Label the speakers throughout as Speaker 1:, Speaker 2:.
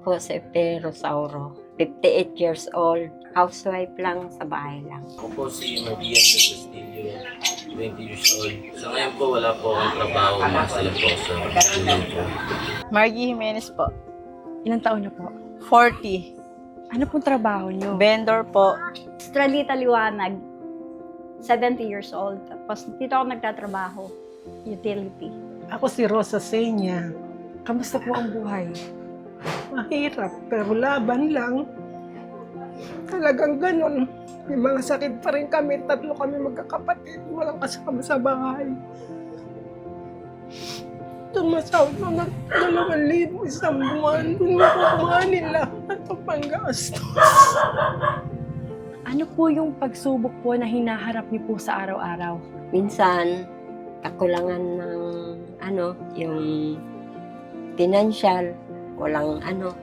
Speaker 1: po si Pe Rosauro, 58 years old, housewife lang sa bahay lang.
Speaker 2: Ako po si Marian de Castillo, 20 years old. Sa ngayon po, wala po akong trabaho. Nasa lang po sa tulong po.
Speaker 3: Margie Jimenez po.
Speaker 4: Ilang taon na po?
Speaker 3: 40.
Speaker 4: Ano pong trabaho niyo?
Speaker 3: Vendor po.
Speaker 5: Estralita Liwanag, 70 years old. Tapos dito ako nagtatrabaho, utility.
Speaker 6: Ako si Rosa Senya.
Speaker 4: Kamusta po ang buhay?
Speaker 6: Mahirap, pero laban lang. Talagang ganun. May mga sakit pa rin kami. 3 kami magkakapatid. Walang kasama sa bahay. Tumasahod mo ng 2,000 isang buwan. Doon makukuha nila at panggastos.
Speaker 4: Ano po yung pagsubok po na hinaharap niyo po sa araw-araw?
Speaker 1: Minsan, kakulangan ng yung financial, walang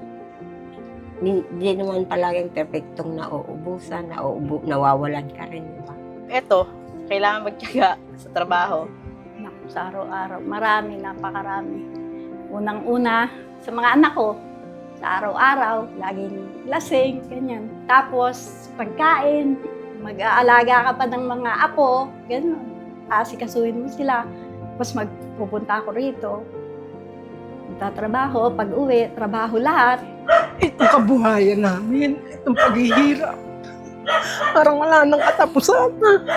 Speaker 1: hindi naman palaging perfectong nauubusan, nawawalan ka rin, di ba?
Speaker 3: Ito, kailangan magtiyaga sa trabaho.
Speaker 5: Naku, sa araw-araw, marami, napakarami. Unang-una, sa mga anak ko, sa araw-araw, laging lasing, ganyan. Tapos, pagkain, mag-aalaga ka pa ng mga apo, ganyan. Asikasuhin mo sila. Tapos magpupunta ako rito. Magtatrabaho, pag-uwi, trabaho lahat.
Speaker 6: Itong kabuhayan namin, itong paghihirap. Parang wala nang katapusan.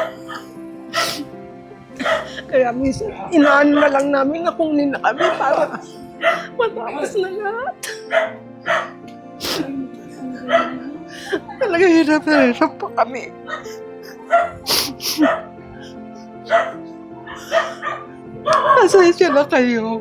Speaker 6: Kaya minsan, inaan na lang namin na kunin na kami para matapos na lahat. Talaga hirap na hirap pa kami. Pasensya na kayo.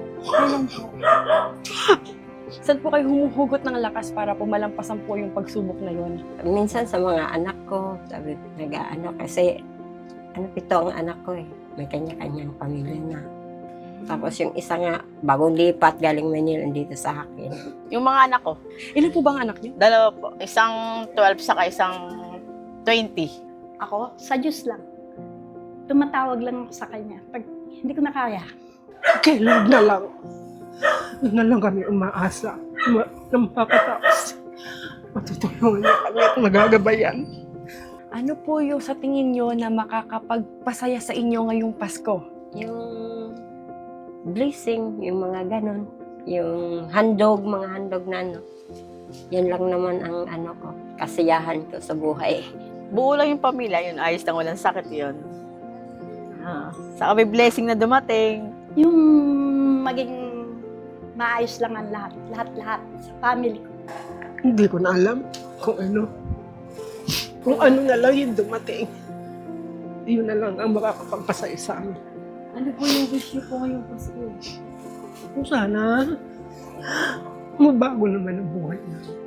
Speaker 4: Saan po kayo humuhugot ng lakas para po malampasan po yung pagsubok na yun?
Speaker 1: Minsan sa mga anak ko, sabi, kasi 7 ang anak ko eh. May kanya-kanyang pamilya na. Tapos yung isa nga, bagong lipat, galing Manila, dito sa akin.
Speaker 3: Yung mga anak ko,
Speaker 4: Ilan po bang anak niyo?
Speaker 3: 2 po. Isang 12 saka isang 20.
Speaker 5: Ako, sa Diyos lang. Tumatawag lang ako sa Kanya. Pag hindi ko na kaya,
Speaker 6: Kay Lord na lang. Doon na lang kami umaasa. Nang makatapos. Matutulungan niya kami at magagabayan.
Speaker 4: Ano po yung sa tingin niyo na makakapagpasaya sa inyo ngayong Pasko?
Speaker 1: Yung blessing, yung mga ganon. Yung handog, mga handog na yan lang naman ang ko, kasiyahan ko sa buhay.
Speaker 3: Buo lang yung pamilya, yun ayos lang, walang sakit yun. Saka may blessing na dumating.
Speaker 5: yung maging maayos lang ang lahat. Lahat-lahat sa family ko.
Speaker 6: Hindi ko na alam kung ano. Kung ano na lang yung dumating. Yun na lang ang makakapagpasaya sa amin.
Speaker 4: Ano po yung wish niyo po ngayong Pasko?
Speaker 6: Kung sana, mabago naman ang buhay namin.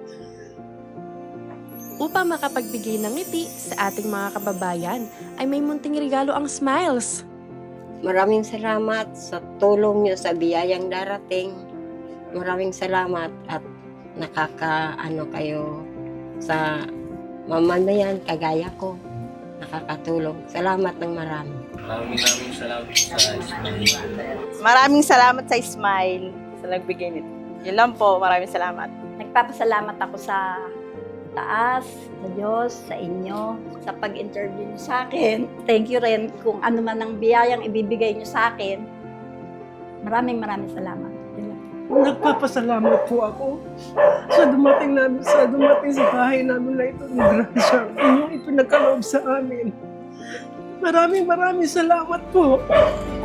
Speaker 7: Upang makapagbigay ng ngiti sa ating mga kababayan, ay may munting regalo ang Smiles.
Speaker 1: Maraming salamat sa tulong niyo sa biyayang darating. Maraming salamat at kayo sa mamamayan kagaya ko. Nakakatulong. Salamat ng marami.
Speaker 2: Maraming salamat sa Ismail.
Speaker 3: Maraming salamat sa Smile sa nagbigay nito. Yun lang po, maraming salamat.
Speaker 5: Nagpapasalamat ako sa taas, sa Diyos, sa inyo, sa pag-interview niyo sa akin. Thank you rin kung ano man ang biyayang ibibigay niyo sa akin. Maraming salamat. Yun lang.
Speaker 6: Nagpapasalamat po ako sa dumating sa bahay namin na ito ng grasya. Inyong ipinagkaloob sa amin. Maraming salamat po.